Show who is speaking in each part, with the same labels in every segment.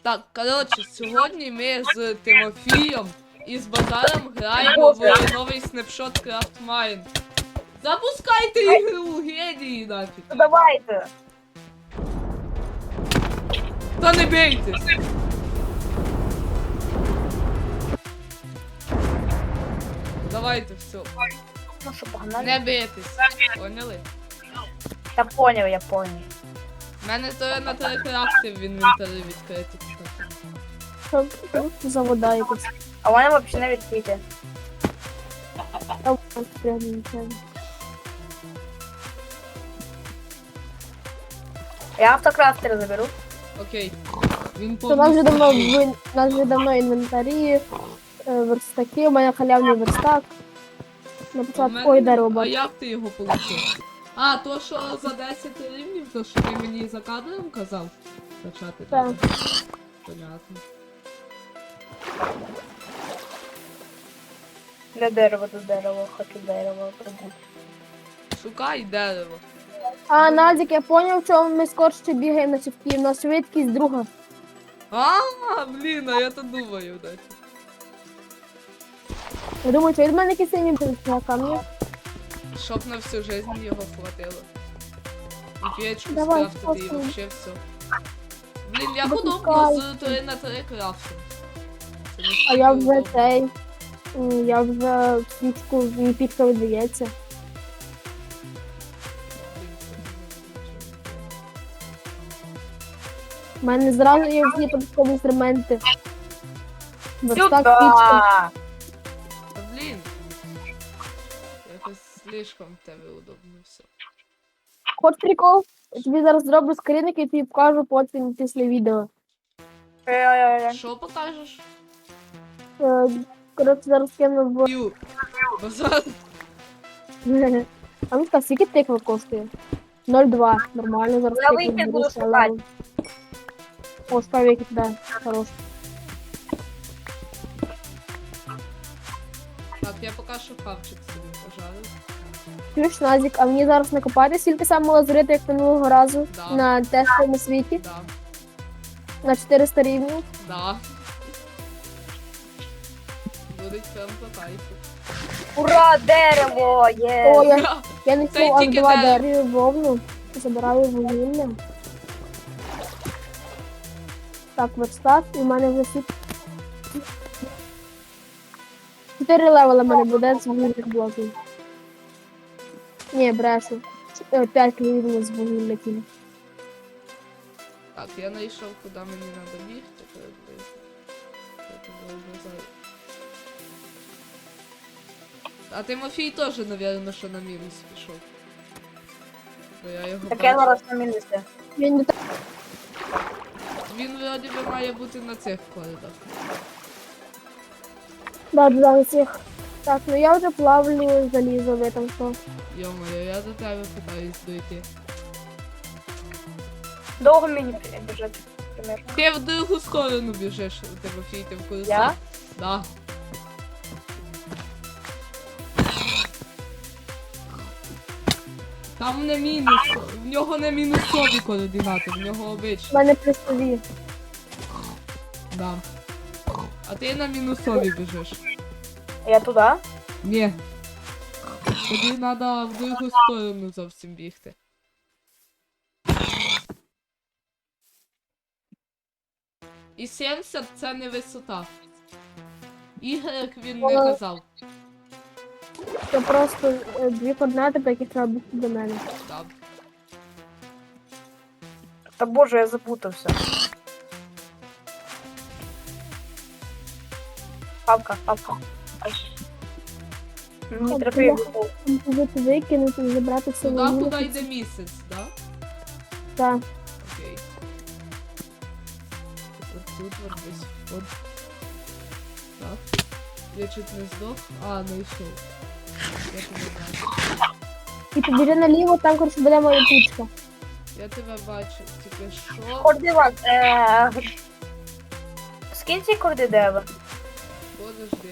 Speaker 1: Так, коротше, сьогодні ми з Тимофієм і з Базаром граємо в новий снапшот Крафтмайн. Запускайте ігру, генії нафіг.
Speaker 2: Ну давайте.
Speaker 1: Та не бійтесь. Давайте все.
Speaker 2: Ну що, погнали?
Speaker 1: Не бійтесь. Поняли?
Speaker 2: Я поняв, я поняв.
Speaker 1: У мене то на телекрафти в інвентарі відкриті.
Speaker 3: Що за вода якась?
Speaker 2: А вони взагалі не відкриті.
Speaker 3: Там прямо нічого.
Speaker 2: Я автокрафтер заберу.
Speaker 1: Окей. Він
Speaker 3: У нас вже давно
Speaker 1: повністю.
Speaker 3: у нас вже давно інвентарі, верстаки, у мене халявний верстак. На
Speaker 1: У
Speaker 3: початку,
Speaker 1: мене-
Speaker 3: ой, дерево
Speaker 1: А
Speaker 3: бачу.
Speaker 1: як ти його получив? А, то що за 10 рівнів, то що ти мені за кадром казав? Качати
Speaker 3: Так.
Speaker 1: треба. Понятно.
Speaker 2: Де дерево, до дерева, хочу дерево прибути.
Speaker 1: Шукай дерево.
Speaker 3: А, Назік, я поняв, чому ми скорше бігаємо на цівки. У нас швидкість друга.
Speaker 1: А, блін, а я то думаю, дайте.
Speaker 3: Я думаю, що від мене якийсь синій на камні.
Speaker 1: Щоб на всю жизнь його хватило. І печку
Speaker 3: Давай,
Speaker 1: скрафтити і
Speaker 3: спасибо.
Speaker 1: вообще все. Блін, я
Speaker 3: Допускай.
Speaker 1: подобно з 3 на 3 крафтом. Це не
Speaker 3: А я
Speaker 1: стільки
Speaker 3: вже
Speaker 1: удобно.
Speaker 3: цей. Я вже свічку мій пічка видається. У мене зразу є всі податкові інструменти. Верстак, пічка.
Speaker 1: Та блін. Якось слишком в тебе удобно все.
Speaker 3: Хоч прикол, я тобі зараз зроблю скринник і тобі покажу потім після відео.
Speaker 1: Що покажеш?
Speaker 3: Коротше, зараз кину в...
Speaker 1: Ю. Базар.
Speaker 3: А ну так, скільки тиква коштує? 0,2. Нормально, зараз
Speaker 2: Я
Speaker 3: тиква
Speaker 2: вийти
Speaker 3: беру,
Speaker 2: буду
Speaker 3: ще
Speaker 2: шукати.
Speaker 3: левел. О, спавіки, да, хорош.
Speaker 1: Так, я поки що хавчик собі пожарю.
Speaker 3: Ключ Назік, а мені зараз накопати стільки самого лазурити, як минулого разу
Speaker 1: Да.
Speaker 3: на тестовому світі,
Speaker 1: Да.
Speaker 3: на 400 рівнів.
Speaker 1: Да. Буде прям по кайфу.
Speaker 2: Ура, дерево!
Speaker 3: О,
Speaker 2: Є!
Speaker 3: я не
Speaker 1: Та й
Speaker 3: аж
Speaker 1: тільки
Speaker 3: 2
Speaker 1: дерево.
Speaker 3: дерева вовну, забираю вугілля. Так, верстак, і в мене вже всі 4 левела в мене буде з вугільних блоків. Ні, брешу. 5 рівнів з вугілля кіно.
Speaker 1: Так, я знайшов, куди мені треба бігти. приблизно. Я тебе образаю. А Тимофій теж, напевно, що на мінус пішов. Бо я його
Speaker 2: Так я
Speaker 1: бачу.
Speaker 2: зараз на мінусі.
Speaker 3: Він не так.
Speaker 1: Він вроді би має бути на цих коридах.
Speaker 3: Да, для цих. Так, ну я вже плавлю залізо, ви там що.
Speaker 1: Йо-моє, я до тебе питаюсь дойти.
Speaker 2: Довго мені біжати, примерно.
Speaker 1: Ти в другу сторону біжиш, Тимофій, ти в курсі?
Speaker 2: Я?
Speaker 1: Да. Там не мінус, в нього не мінусові координати, в нього
Speaker 3: У
Speaker 1: обичні.
Speaker 3: мене плюсові.
Speaker 1: Да. А ти на мінусові біжиш.
Speaker 2: Я туди?
Speaker 1: Ні. Тобі треба в другу сторону зовсім бігти. І 70 це не висота. Ігор він не казав.
Speaker 3: Це просто 2 координати, по яких треба бігти до мене.
Speaker 1: Так.
Speaker 2: Та боже, я запутався. Папка, папка. Ай. Мені треба його.
Speaker 3: Викинути, забрати все
Speaker 1: Туди,
Speaker 3: вугілля.
Speaker 1: куди йде місяць, да?
Speaker 3: Так.
Speaker 1: Окей. От тут от десь. От. Так. Я чуть не здох. А, знайшов. Я тебе бачу.
Speaker 3: І побіжи наліво, там, коротше, буде моя пічка.
Speaker 1: Я тебе бачу. Тільки що?
Speaker 2: Координат. Скинь ці корди дерева.
Speaker 1: Подожди.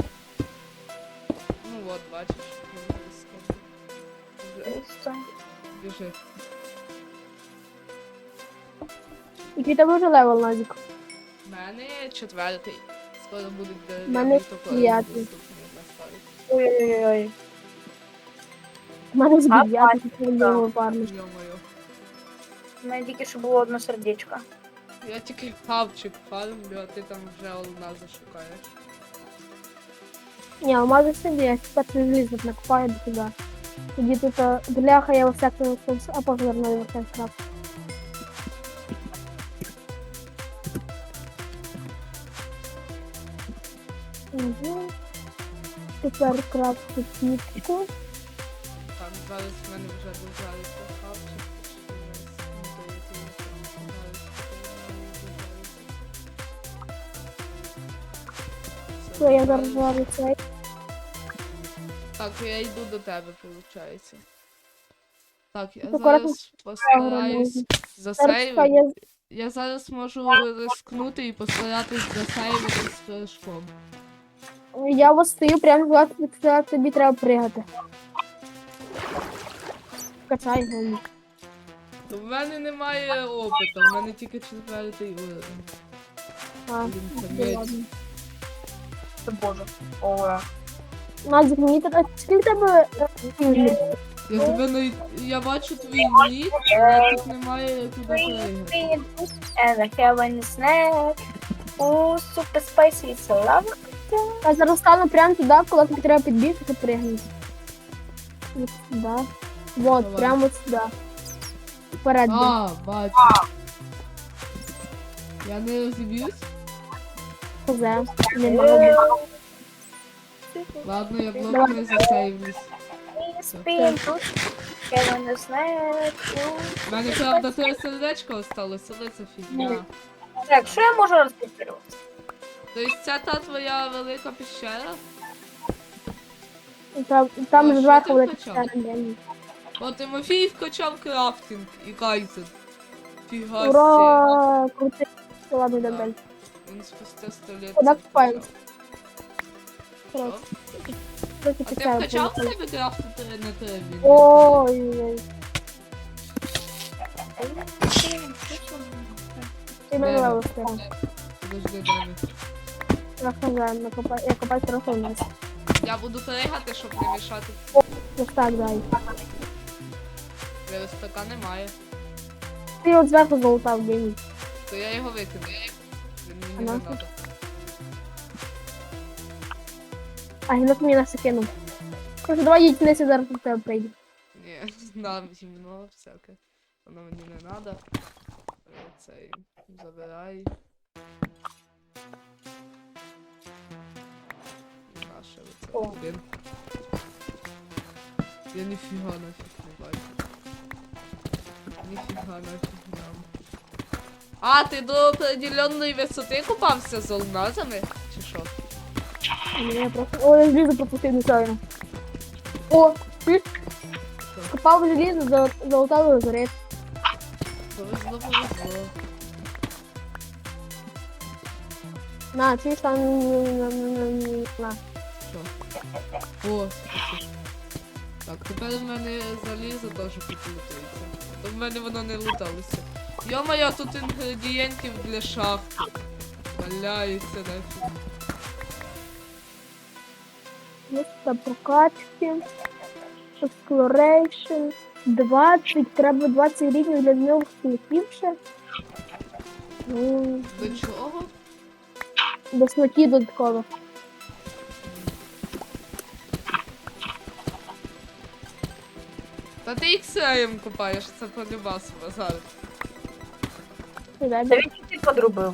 Speaker 1: Ну от, бачиш. Я вже скажу. Вже біжи.
Speaker 3: Який тебе вже левел, Назік?
Speaker 1: У мене 4-й. Скоро будуть
Speaker 3: У мене
Speaker 1: дерев'яні топори
Speaker 3: 9-й.
Speaker 1: доступні на старті.
Speaker 2: Ой-ой-ой.
Speaker 3: У мене з
Speaker 2: А,
Speaker 3: 9
Speaker 2: да.
Speaker 3: парня.
Speaker 1: Йо-моє.
Speaker 2: У мене тільки що було одне сердечко.
Speaker 1: Я тільки хавчик фармлю, а ти там вже алмази шукаєш.
Speaker 3: Ні, алмази собі, я тепер залізно накопаю до туди. Тоді тут бляха, я всяку аповерну Варкрафт. Угу. Тепер крафту сітку.
Speaker 1: Там зараз в мене вже дожариться хавчик.
Speaker 3: Все, я зараз зварю цей.
Speaker 1: Так, я йду до тебе, виходить. Так, я
Speaker 3: Тут акуратно
Speaker 1: зараз постараюсь
Speaker 3: Зараз чекай,
Speaker 1: засейвити. Я зараз можу рискнути і постаратись засейвити з флешком.
Speaker 3: я ось стою прямо власне, тобі треба пригати. Качай голову.
Speaker 1: У мене немає опиту, в мене тільки 4-й уровень.
Speaker 3: А,
Speaker 1: Блін, це
Speaker 3: ну,
Speaker 1: меч.
Speaker 3: ладно.
Speaker 2: Це боже. Ова.
Speaker 3: Назик, мені так, скільки тебе фільмів?
Speaker 1: Я тебе навіть. Я бачу твій нік, але тут немає куди пригати.
Speaker 2: And I have a snack. Ooh, super spicy, it's a lava.
Speaker 3: Я зараз стану прямо туди, коли тобі треба підбігти, ти пригнути. Ось сюди. Вот,
Speaker 1: Давай.
Speaker 3: прямо сюди. Вперед. бій.
Speaker 1: А, бачу. Я не розіб'юсь?
Speaker 3: Козе. Немає.
Speaker 1: Ладно, я блок
Speaker 3: Давай.
Speaker 1: не засейвлюсь.
Speaker 2: Spin тут. Have a snack. Ooh.
Speaker 1: У мене, правда, 3 сердечко осталось, але це фігня.
Speaker 2: Так, що я можу розпитувати?
Speaker 1: Тобто це та твоя велика піщера?
Speaker 3: Там
Speaker 1: О,
Speaker 3: ж
Speaker 1: що
Speaker 3: зверху
Speaker 1: ти
Speaker 3: велика
Speaker 1: вкачав?
Speaker 3: сцена.
Speaker 1: О, Тимофій вкачав крафтинг і кайзен. Фіга сі.
Speaker 3: Ура! Крутий. Ладно, йдемо
Speaker 1: Так.
Speaker 3: далі.
Speaker 1: Він спустя 100 лет.
Speaker 3: Куди
Speaker 1: це
Speaker 3: купаємось?
Speaker 1: вкачав.
Speaker 3: Коротше.
Speaker 1: Що?
Speaker 3: Трохи
Speaker 1: А ти
Speaker 3: підсяю,
Speaker 1: вкачав в
Speaker 3: поїхали.
Speaker 1: тебе крафти на тебе?
Speaker 3: Ой-ой-ой. Ти мене
Speaker 1: Де?
Speaker 3: левел стирав.
Speaker 1: Подожди, дай мені.
Speaker 3: Я хазяїн, я копаю трохи вниз.
Speaker 1: Я буду пригати, щоб не мішати.
Speaker 3: Ось так, дай.
Speaker 1: Верстака немає.
Speaker 3: Ти от зверху золотав, геній.
Speaker 1: То я його викину. Він мені
Speaker 3: А
Speaker 1: не
Speaker 3: нафіг?
Speaker 1: надо.
Speaker 3: А гінок мені нас кинув. Короче, давай їдь вниз, я зараз до тебе прийду.
Speaker 1: Ні, нам гімно всяке. Воно мені не надо. Цей забирай. Наше оце.
Speaker 2: О.
Speaker 1: Блін. Я ніфіга нафіг не бачу. Ніфіга нафіг нам. А, ти до определенної висоти купався з алмазами? Чи що?
Speaker 3: Ні, я просто... О, я желізо пропустив нечайно. О, ти копав желізо, золотав лазарет.
Speaker 1: Повезло, повезло.
Speaker 3: На, чуєш там... На.
Speaker 1: Що? О, спасибо. Так, тепер в мене залізо теж підлутується. То в мене воно не луталося. Йо-моє, тут інгредієнтів для шахти. Валяється нафіг.
Speaker 3: Місце прокачки. Exploration. 20. Треба 20 рівнів для нових смаків ще. Ну,
Speaker 1: До чого?
Speaker 3: до смаків додатково.
Speaker 1: Та ти іксеєм купаєш, це полюбас базар.
Speaker 3: Дай
Speaker 2: Та він тільки подрубив.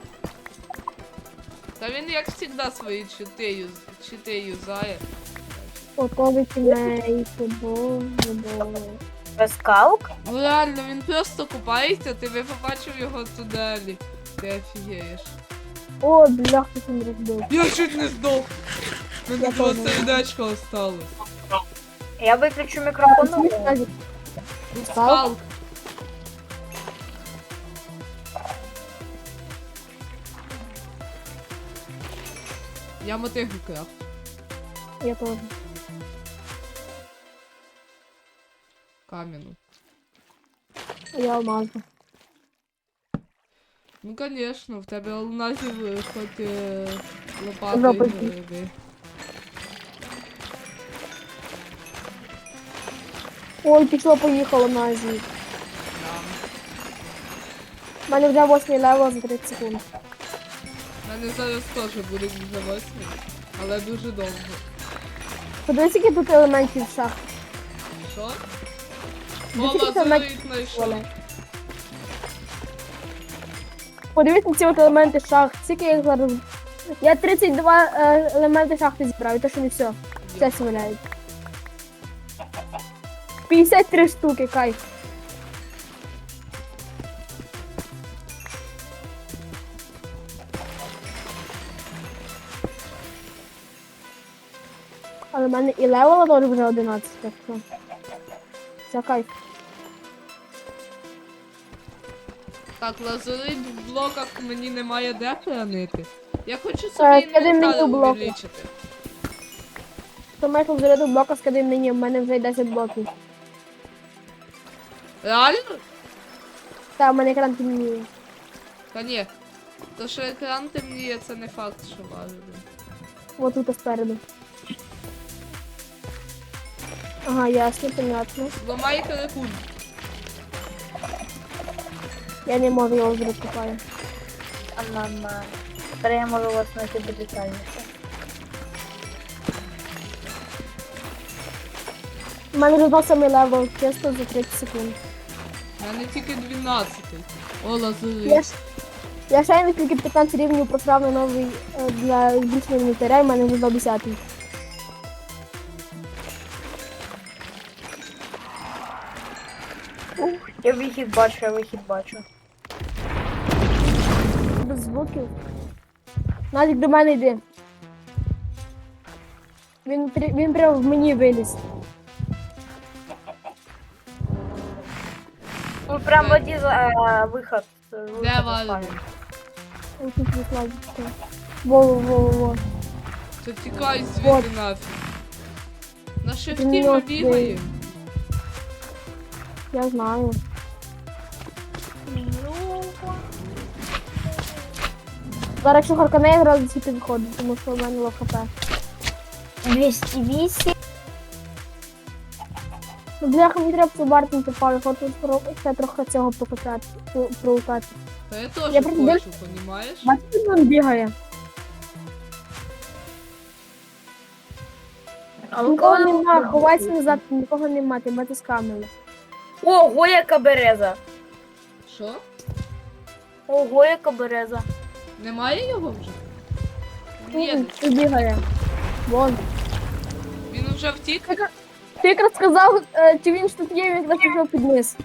Speaker 1: Та він як завжди свої чити юзає.
Speaker 3: готовий кінець. Боже.
Speaker 2: Без калк?
Speaker 1: Ну реально, він просто купається, ти би побачив його тунелі. Ти офігієш.
Speaker 3: О, бляха, ти не розбив.
Speaker 1: Я чуть не здох. Мене
Speaker 3: Я
Speaker 1: 2
Speaker 3: теж.
Speaker 1: сердечка осталось.
Speaker 2: Я виключу мікрофон.
Speaker 3: Чуєш, Назік?
Speaker 1: Тут
Speaker 3: Спал?
Speaker 1: спалк. Я мотигу крафт.
Speaker 3: Я теж.
Speaker 1: Кам'яну.
Speaker 3: Я алмазу.
Speaker 1: Ну, конечно, в тебе алмазів хоч лопати
Speaker 3: Жопа.
Speaker 1: гриби.
Speaker 3: Ой, пішло, поїхало на Азію.
Speaker 1: Там.
Speaker 3: У мене вже 8 левел за 30 секунд.
Speaker 1: У мене зараз теж буде вже 8, але дуже довго.
Speaker 3: Подивись, які тут елементів в шахті.
Speaker 1: Що? О,
Speaker 3: Дивіться, це
Speaker 1: лазурит знайшов.
Speaker 3: Оля. Подивіться на ці от елементи шахт. Скільки я їх зараз... Я 32 елементи шахти зібрав, і то що не все. Все сваляють. 53 штуки, кайф. Але в мене і левела теж вже 11, так що. Це кайф.
Speaker 1: Так, лазурит в блоках мені немає де хранити. Я хочу собі
Speaker 3: скидай мені
Speaker 1: інвентар
Speaker 3: блоки.
Speaker 1: увеличити.
Speaker 3: То Майкл заряду блока скидай мені, в мене вже 10 блоків.
Speaker 1: Реально?
Speaker 3: Та, в мене екран темніє.
Speaker 1: Та ні. То, що екран темніє, це не факт, що важливо.
Speaker 3: Вот тут спереду. Ага, ясно, понятно.
Speaker 1: Зламай телефон.
Speaker 3: Я не можу його вже розкопаю.
Speaker 2: А мама. Тепер я можу вас знайти детальніше.
Speaker 3: У мене вже 8 левел, чисто за 30 секунд.
Speaker 1: У мене тільки 12. О, лазурит.
Speaker 3: Я ще не тільки 15 рівнів просрав на новий для збільшення інвентаря, і в мене вже до 10.
Speaker 2: Я вихід бачу, я вихід бачу.
Speaker 3: Без звуків. Назік, до мене йди. Він прямо в мені виліз.
Speaker 2: Ну прям воді виход.
Speaker 1: Де валить?
Speaker 3: Ось тут викладочка. Во.
Speaker 1: Це тікай
Speaker 3: Вот.
Speaker 1: звідти нафіг. На шифті
Speaker 3: Він
Speaker 1: ми
Speaker 3: мертвий.
Speaker 1: бігаємо.
Speaker 3: Я знаю. Зараз якщо харкане, я одразу всі підходить, тому що в мене лов хп.
Speaker 2: 208.
Speaker 3: Ну, бляха, мені треба побарти попали, хочу ще трохи цього пролутати.
Speaker 1: Та я теж
Speaker 3: Я просто
Speaker 1: хочу, понімаєш?
Speaker 3: Бачите, він бігає.
Speaker 2: А
Speaker 3: Нікого нема, ховайся назад, нікого нема, ти бачиш камери.
Speaker 2: Ого, яка береза.
Speaker 1: Що?
Speaker 2: Ого, яка береза.
Speaker 1: Немає його вже? Ні,
Speaker 3: Ти бігає. Вон.
Speaker 1: він вже втік.
Speaker 3: Ти якраз сказав, чи він ж тут є, він якраз пішов під низ.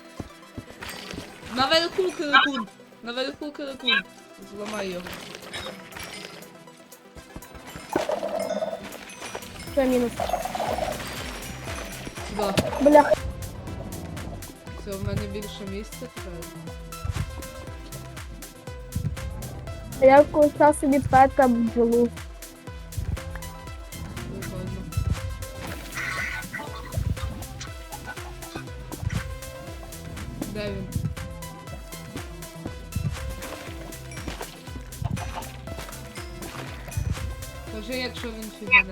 Speaker 1: Наверху крикун. Наверху крикун. Зламай його.
Speaker 3: Це мінус.
Speaker 1: Сюди.
Speaker 3: Бляха.
Speaker 1: Все, в мене більше місця тепер.
Speaker 3: Я вкусав собі пета бджолу.
Speaker 1: Прикольно. Де він? Кажи, якщо він фігане.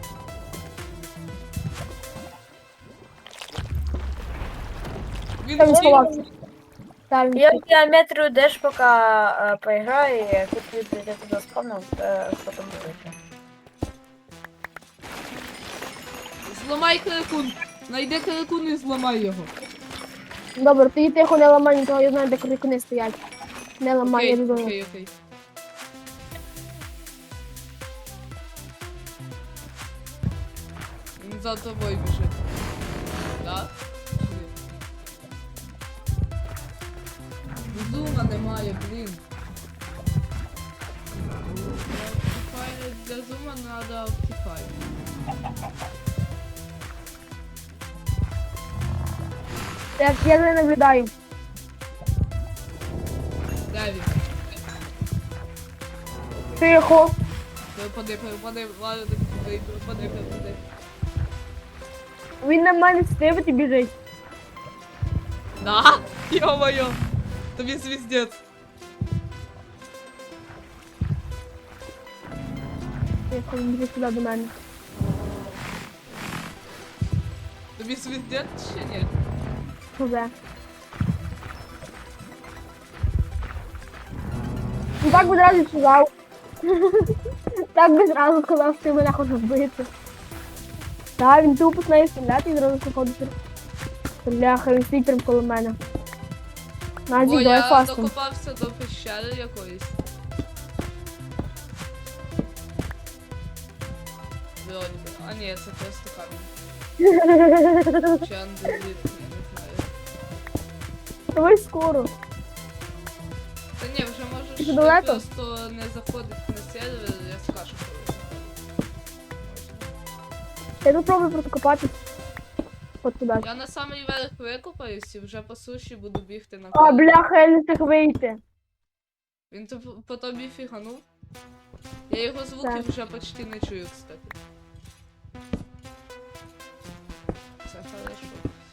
Speaker 1: Він
Speaker 3: Там він
Speaker 1: втік.
Speaker 3: сховався. Там він
Speaker 2: Я в геометрию Dash пока поиграю, и тут я туда спавнил, потом будет.
Speaker 1: Зламай крикун. Найди крикун і зламай його.
Speaker 3: Добре, тоді тихо не ламай нікого, я знаю, де крикуни стоять. Не ламай, я
Speaker 1: Окей,
Speaker 3: не знаю.
Speaker 1: окей. Він за тобою біжить. Да? Зума немає, блін. Optifine для зума надо Optifine.
Speaker 3: Я не наблюдаю.
Speaker 1: Де він?
Speaker 3: Тихо.
Speaker 1: Перепади, ладно, перепади.
Speaker 3: Він на мене стивить і біжить.
Speaker 1: Да? Ё-моё! Тобі звіздець.
Speaker 3: Тихо, він біжить сюди до мене.
Speaker 1: Тобі світять чи ні?
Speaker 3: Вже. Ну так би зразу сказав. Так би зразу сказав, що ти мене хочеш вбити. Так, він тупо починає стріляти і зразу заходить. Бляха, він стоїть прямо коло мене.
Speaker 1: О,
Speaker 3: Назік, давай
Speaker 1: я
Speaker 3: фастом.
Speaker 1: докопався до пещери якоїсь. Вроді би. А ні, це просто камінь. Чи андезит, я не знаю.
Speaker 3: Давай скоро.
Speaker 1: Та ні, вже
Speaker 3: Ти
Speaker 1: можеш
Speaker 3: далеко?
Speaker 1: просто не заходити на сервер, я скажу, коли.
Speaker 3: Я попробую просто копатись. От туди.
Speaker 1: Я на самий верх викопаюсь і вже по суші буду бігти на
Speaker 3: А,
Speaker 1: коло.
Speaker 3: бляха, я не встиг вийти.
Speaker 1: Він по тобі фіганув. Я його звуки
Speaker 3: Так.
Speaker 1: вже почти не чую, кстати. Це хорошо.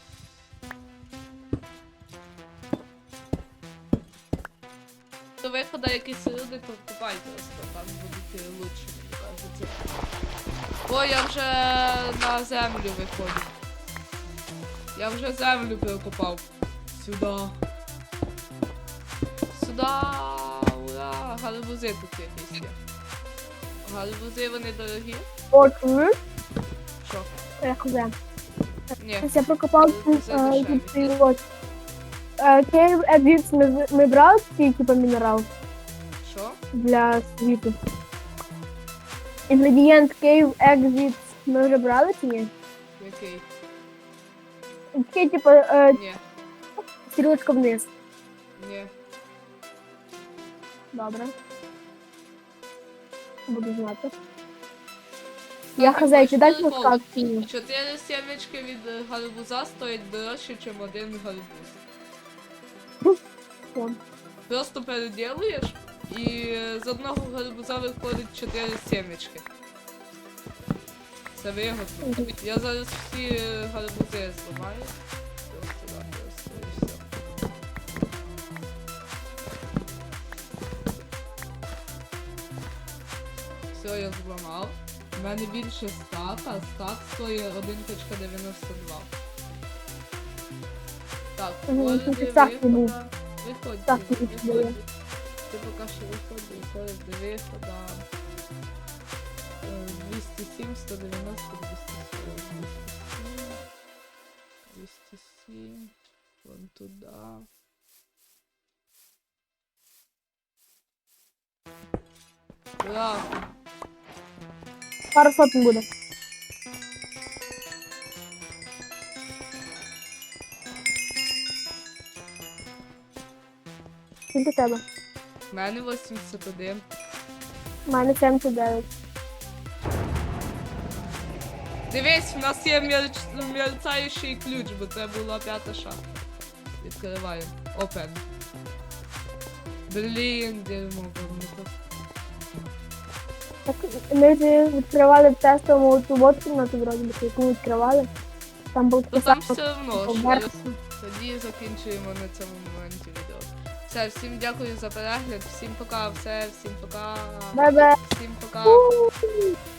Speaker 1: До виходу якісь люди, то купайте просто, там будуть лучше, мені кажеться. О, я вже на землю виходжу. Я вже землю перекопав. Сюда. Сюда. Ура! Гарбузи тут якісь є. Гарбузи вони дорогі?
Speaker 3: О, чуєш?
Speaker 1: Що?
Speaker 3: Я хуже.
Speaker 1: Ні.
Speaker 3: Я прокопав
Speaker 1: Це дешеві.
Speaker 3: от. Кейв Едвіц ми брали такий, типу, мінерал
Speaker 1: Що?
Speaker 3: для світу. Інгредієнт Кейв Exit ми вже брали чи ні?
Speaker 1: Який?
Speaker 3: Такий, типу,
Speaker 1: Ні.
Speaker 3: стрілочка вниз.
Speaker 1: Ні.
Speaker 3: Добре. Буду знати.
Speaker 1: Так,
Speaker 3: Я
Speaker 1: ти
Speaker 3: хазяй,
Speaker 1: хочеш
Speaker 3: ти дай
Speaker 1: прикол?
Speaker 3: подсказку.
Speaker 1: 4 сімечки від гарбуза стоять дорожче, ніж один гарбуз.
Speaker 3: Вон.
Speaker 1: Просто переділуєш і з одного гарбуза виходить 4 сімечки. Це вигодно. Я зараз всі гарбузи зламаю. Просто так, просто і все. Все, я зламав. У мене більше стака, стак стоїть 1.92. Так,
Speaker 3: Мгм,
Speaker 1: виходи,
Speaker 3: тут стак не був.
Speaker 1: виходь,
Speaker 3: Стак не
Speaker 1: виходь.
Speaker 3: був.
Speaker 1: Ти поки що виходь до вихода. 207, 190, 240, 207, вон туда. Ура!
Speaker 3: Пару сотень буде. Скільки тебе?
Speaker 1: У мене 81.
Speaker 3: У мене 79.
Speaker 1: Дивись, в нас є мерцаючий ключ, бо це була 5-та шахта. Відкриваємо. Open. Блін, дерьмо, вогнуто.
Speaker 3: Так, ми ж відкривали в тестовому цю водку на ту вроді, яку ми відкривали. Там був
Speaker 1: То там
Speaker 3: писав,
Speaker 1: все одно,
Speaker 3: поверх.
Speaker 1: що тоді закінчуємо на цьому моменті відео. Все, всім дякую за перегляд, всім пока, всім пока.
Speaker 3: Бе-бе.
Speaker 1: Всім пока.